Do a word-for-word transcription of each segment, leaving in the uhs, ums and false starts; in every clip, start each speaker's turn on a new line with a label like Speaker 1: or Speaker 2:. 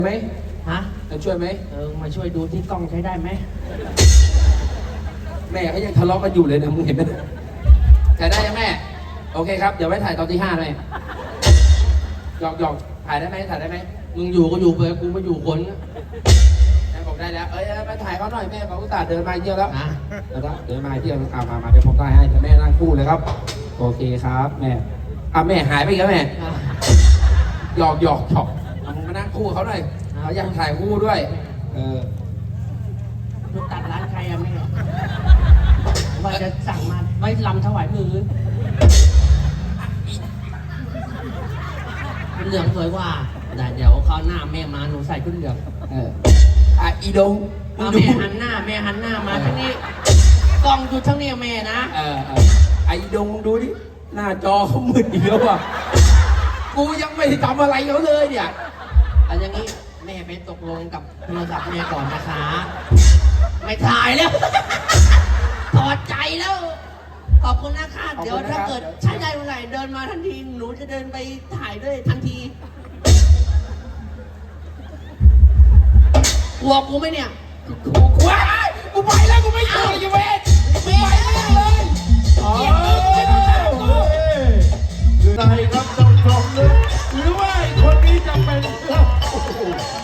Speaker 1: ไหม
Speaker 2: ฮะ
Speaker 1: จะช่วยไหม
Speaker 2: เออมาช่วยดูที่กล้องใช้ได้ไหม
Speaker 1: แม่เขายังทะเลาะกันอยู่เลยนะมึงเห็นไหมถ่ายได้ยังแม่โอเคครับเดี๋ยวไว้ถ่ายตอนที่ห้าเลยหยอกหยอกถ่ายได้ไหมถ่ายได้ไหม
Speaker 2: มึงอยู่ก็อยู่ไปกูมาอยู่คน
Speaker 1: แม่บอกได้แล้วเอ้ยมาถ่ายเขาหน่อยแม่เขาอุตส่าห์เดินมาเที่ยวแล้ว
Speaker 2: นะ
Speaker 1: แล้วก็เดินมาเที่ยวเอามามาเดี๋ยวผมถ่ายให้แม่นั่งคู่เลยครับโอเคครับแม่อ่ะแม่หายไปอีกแล้วแม่หยอกหยอกหยอกเอามึงมานั่งคู่เขาหน่อยเขาอยากถ่ายคู่ด้วยเออ
Speaker 2: ลูกตัดร้านใครอะแม่ว่าจะสั่งมาไว้ลำถวายมือเป็นเหลืองสวยกว่าแต่เดี๋ยวเขาวหน้าแม่มาหนูใส่ชุดเหลือง
Speaker 1: เอออ่ะอีดง
Speaker 2: เอาแม่หันหน้าแม่หันหน้ามาทั้งนี้กล้องอยู่ทั้งนี้แม่นะ
Speaker 1: เออเออไอ้ดงดูดิหน้าจอเขามืดอีกแล้วอ่ะกูยังไม่ได้ทำอะไรเขาเลยเนี่ย
Speaker 2: เอาอย่างนี้แม่ไปตกลงกับโทรศัพท์แม่ก่อนนะคะไม่ถ่ายแล้วถอดใจแล้วขอบคุณนะคะเดี๋ยวถ้าเกิดใช้ได้เมื่อไหร่เดินมาทันทีหนูจะเดินไปถ่ายด้วยทันทีกลัวกูไหมเนี่ย
Speaker 1: กูว้ายกูไปแล้วกูไม่อยู่เลยเวทไปเลยอ๋อ
Speaker 3: ใครครับต้องชมเลยหรือว่าคนนี้จะเป็นโอ้โห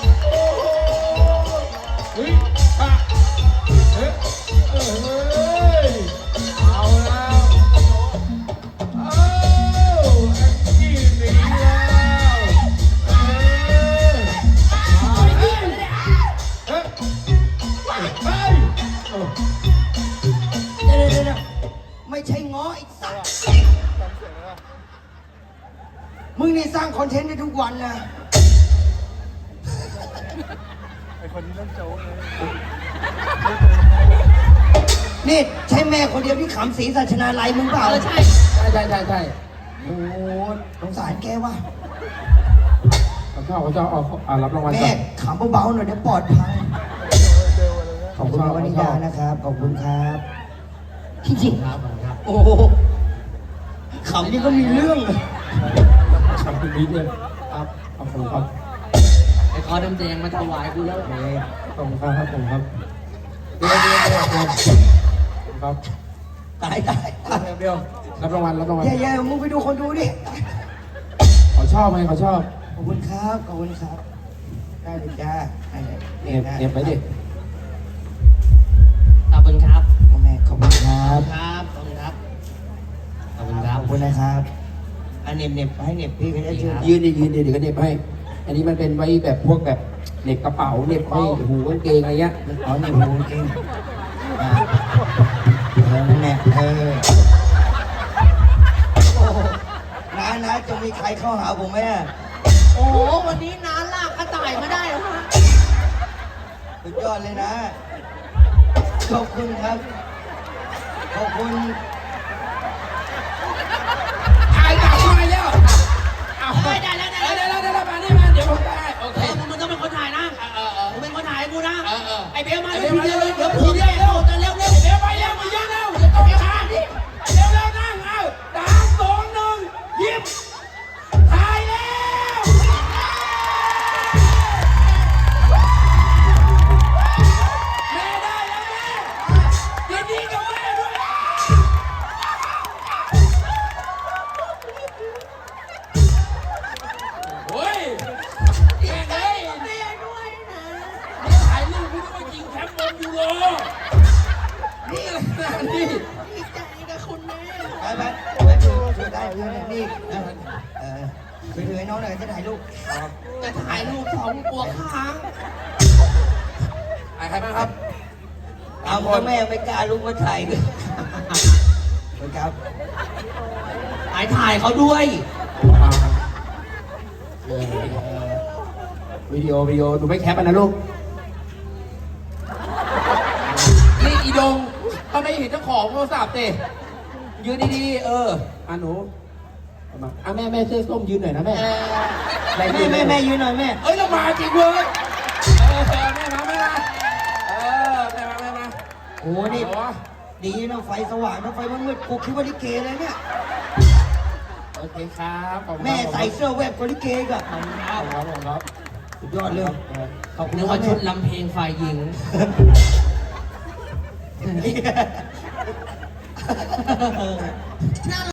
Speaker 3: เฮ้ยอะเฮ้ยเฮ้ยเอาแล้วเอาแองจี้หนีแล้วเออเฮ้ยเฮ้ยเฮ้ย
Speaker 4: เดี๋ยวเดี๋ยวไม่ใช่ง้อไอ้สัตว์มึงนี่สร้างคอนเทนต์ได้ทุกวันนะไอคนนี้เล่นโจ๊กเลยนี่ใช่แม่คนเดียวที่ขำศรีสัชนาลัยมึงเปล่า
Speaker 2: เออใช่
Speaker 1: ใช่ใช่ใช่ใช่
Speaker 4: โอ้สงสารแกว่ะ
Speaker 1: เขาชอบเขาชอบเอาเอารับรางวัลก่
Speaker 4: แม่
Speaker 1: อน
Speaker 4: ขำเบาๆหน่อยเดี๋ยวปลอดภัยขอบคุณวนิดานะครับขอบคุณครับจริงๆครับโอ้ขำนี่ก็มีเรื่องเลย
Speaker 1: ขอบคุณนิดเดียวครับขอบคุณครับ
Speaker 2: ไอ้คอดำแดงมาถวายกูแล้ว
Speaker 1: ขอบคุณครับขอบคุณครับเดี๋ยวเดี๋ยวเดี๋ยวเดี๋ยวครับ
Speaker 4: ตายตายตาย
Speaker 1: เดี๋ยวรับรางวัลรับรางวัล
Speaker 4: แย่ๆมึงไปดูคนดูดิ
Speaker 1: เขาชอบไหมเขาชอบ
Speaker 4: ขอบคุณครับขอบคุณครับได้เลยจ้าได้เลย
Speaker 1: เน็บเน็บไปดิ
Speaker 2: ขอบคุณครับ
Speaker 4: พ่อแม่ขอบคุณครับ
Speaker 2: ครับขอบคุณครับขอบคุณครั
Speaker 4: ข
Speaker 2: บ
Speaker 4: อบคุณนะครับอันเน็บเน็บให้เน็บพี่ก็ได้ช่วย
Speaker 1: ยืนดิยืนดิเดี๋ยวก็เน็บให้ อันนี้มันเป็นไว้แบบพวกแบบเน็บกระเป๋าเน็บให้หูกางเกงอะไรเงี้ย
Speaker 4: อ๋อเน็บหูเองอ่าเออนั่นแหละเออโอ้โหน้าน้าจะมีใครเข้าหาผมไหมอะ
Speaker 2: โอ้โหวันนี้น้าลากกระต่ายมาได้เหรอฮะ
Speaker 4: สุดยอดเลยนะขอบคุณครับขอบคุณ
Speaker 1: อายจับมาแล้วเอา
Speaker 2: ได้ได้แล้วได้
Speaker 1: เออ
Speaker 2: แล้
Speaker 1: เดี๋ยว
Speaker 2: ว
Speaker 1: เดี๋ยวเดี๋ยวมานี่มาเดี๋ยวผมได้โอเค
Speaker 2: เออมึงต้องเป็นคนถ่ายนะ
Speaker 1: เออเออ
Speaker 2: มึงเป็นคนถ่ายให้กูนะ
Speaker 1: เออเออ
Speaker 2: ไอเบลมา
Speaker 1: ไอ้
Speaker 2: เร็ว
Speaker 1: เบลมา
Speaker 2: เร็ว
Speaker 1: เร็ว
Speaker 2: เดี๋ยว
Speaker 1: เร็ว
Speaker 2: ผีเร็วเร็วเร็วเร็ว
Speaker 1: เดี๋ยวไปเร็วมาเยอะเร็วเดี๋ยวต้องไปหาดิเร็วเร็วนั่งเอาสามสองหนึ่งยิ้มถ่ายแล้วแม่ได้แล้วแม่ยินดีกับแม่ด้วยโอ้ยแม่เอ้ย
Speaker 2: แม่ด้วยนะ
Speaker 1: ถ่ายรูปพี่ต้องไปยิงแคมป์บอลยูโรนี่อะไรนะนี่
Speaker 2: ดีใจกับคุณแม่
Speaker 4: ไปไปไปช่วยช่วยได้ช่วยได้นี่นะเออช่วยถือให้น้องหน่อยจะถ่ายรูป
Speaker 2: จะถ่ายรูปสองตัวค้าง
Speaker 1: ถ่ายใครบ้างครับ
Speaker 4: เอาพ่อแม่ไม่กล้าลุกมาถ่ายเลยครับ
Speaker 2: ถ่ายถ่ายเขาด้วย
Speaker 1: เออวิดีโอวิดีโอดูไม่แคปนะลูกนี่อีดงเขาไม่เห็นเจ้าของโทรศัพท์เตะยืนดีๆเอออ่ะหนูเอามาอ่ะแม่แม่เสื้อส้มยืนหน่อยนะแม่
Speaker 2: เออ
Speaker 1: แม่
Speaker 4: แม่แม่แม่ยืนหน่อยแม่
Speaker 1: เอ้ยเรามาจริงเว้ยเออแม่มาแม่มาเออแม่มาแม่มา
Speaker 4: โอ้นี่ ดีนะไฟสว่างถ้าไฟมันมืดกูคิดว่าลิเกเลยเนี่ย
Speaker 1: โอเคครับขอบคุณครับ
Speaker 4: แม่ใส่เสื้อแวบกว่าลิเกกอะ
Speaker 1: ขอบคุณครับขอบคุณครับ
Speaker 4: สุดยอดเลยขอบคุณ
Speaker 2: นึก
Speaker 4: ครั
Speaker 2: ว่า
Speaker 4: บ
Speaker 2: ชุ
Speaker 4: แม่
Speaker 2: ดลำเพลงฝ่ายหญิง น่า